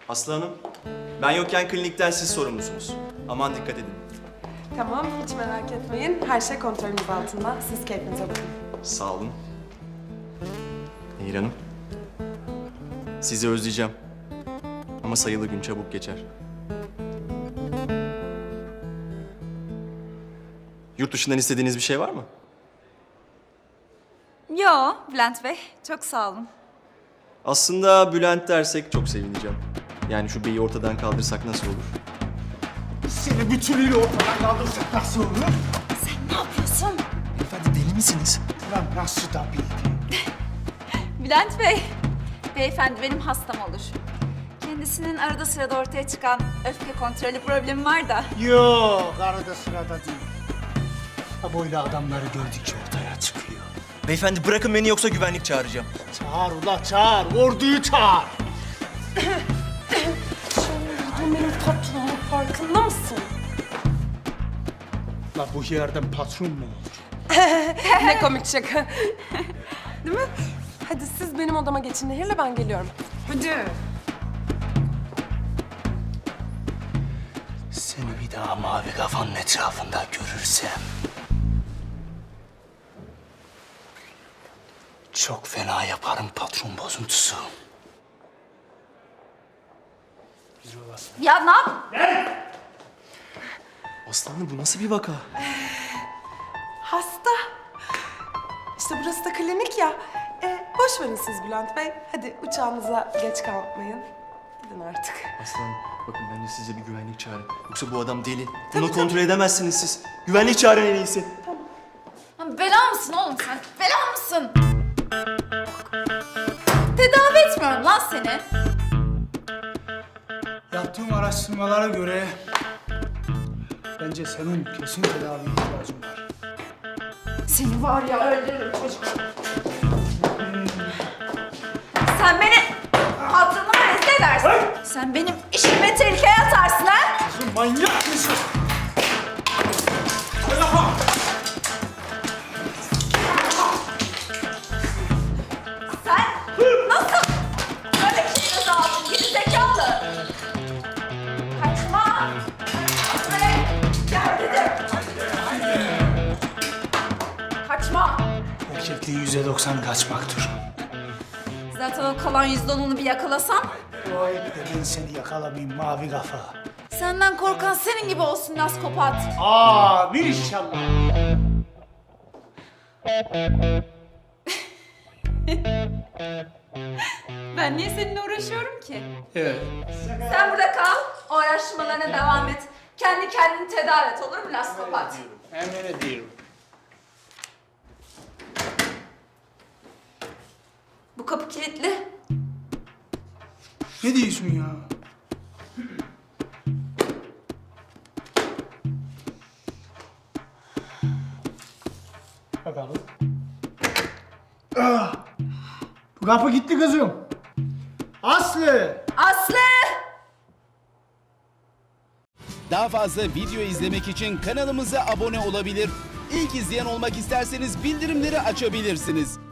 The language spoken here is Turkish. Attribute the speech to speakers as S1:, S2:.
S1: Aslı Hanım, ben yokken klinikten siz sorumlusunuz. Aman dikkat edin.
S2: Tamam, hiç merak etmeyin. Her şey kontrolümüz altında. Siz keyfinize bakın.
S1: Sağ olun. Nehir Hanım, sizi özleyeceğim. Ama sayılı gün çabuk geçer. Yurt dışından istediğiniz bir şey var mı?
S3: Yo Bülent Bey, çok sağ olun.
S1: Aslında Bülent dersek çok sevineceğim. Yani şu beyi ortadan kaldırsak nasıl olur?
S4: Seni bütünüyle ortadan kaldırsak nasıl olur?
S3: Sen ne yapıyorsun?
S1: Efendim deli misiniz?
S4: Lan nasıl da bildi?
S3: Bülent Bey, beyefendi benim hastam olur. Kendisinin arada sırada ortaya çıkan öfke kontrolü problemi var da.
S4: Yok, arada sırada değil. Ha, böyle adamları gördükçe ortaya çıkıyor.
S1: Beyefendi bırakın beni yoksa güvenlik çağıracağım.
S4: Çağır ula çağır, orduyu çağır.
S2: Bu benim patronum, farkında mısın?
S4: La bu yerden patron mu olur?
S2: Ne komik şaka. Değil mi? Hadi siz benim odama geçin Nehir'le, ben geliyorum. Hadi.
S4: Seni bir daha mavi kafanın etrafında görürsem... çok fena yaparım patron bozuntusu.
S3: Ya ne yap?
S1: Aslanım bu nasıl bir vaka?
S2: Hasta. İşte burası da klinik ya. Boş verin siz Bülent Bey. Hadi uçağınıza geç kalmayın. Gidin artık.
S1: Aslanım bakın bence size bir güvenlik çağırın. Yoksa bu adam deli. Bunu kontrol edemezsiniz siz. Güvenlik çağırın en iyisi.
S3: Bela mısın oğlum sen? Bela mısın? Tedavi etmiyorum lan seni.
S4: Yaptığım araştırmalara göre... bence senin kesin tedavi ihtiyacın var.
S3: Seni var ya öldürürüm çocuk. Sen beni hatırıma rezil edersin. Sen benim işimi tehlikeye atarsın ha?
S4: Kızım manyak mısın?
S3: Sen nasıl böyle kendinizi aldın gerizekalı? Kaçma! Buraya gel dedim. Kaçma!
S4: Erkekliği %90 kaçmaktır.
S3: Zaten o kalan %10'unu bir yakalasam
S4: Dua et de ben seni yakalamayayım mavi kafa.
S3: senden korkan senin gibi olsun naskopat.
S4: Amin inşallah.
S3: Ben niye seninle uğraşıyorum ki?
S4: Evet.
S3: Sen burada kal, o araştırmalarına devam et. Kendi kendini tedavi et, olur mu naskopat?
S4: Hemen ediyorum.
S3: Bu kapı kilitli.
S4: Ne diyorsun ya? Bakalım. Ah! Bu kapı gitti kızım. Aslı!
S3: Aslı!
S5: Daha fazla video izlemek için kanalımıza abone olabilir. İlk izleyen olmak isterseniz bildirimleri açabilirsiniz.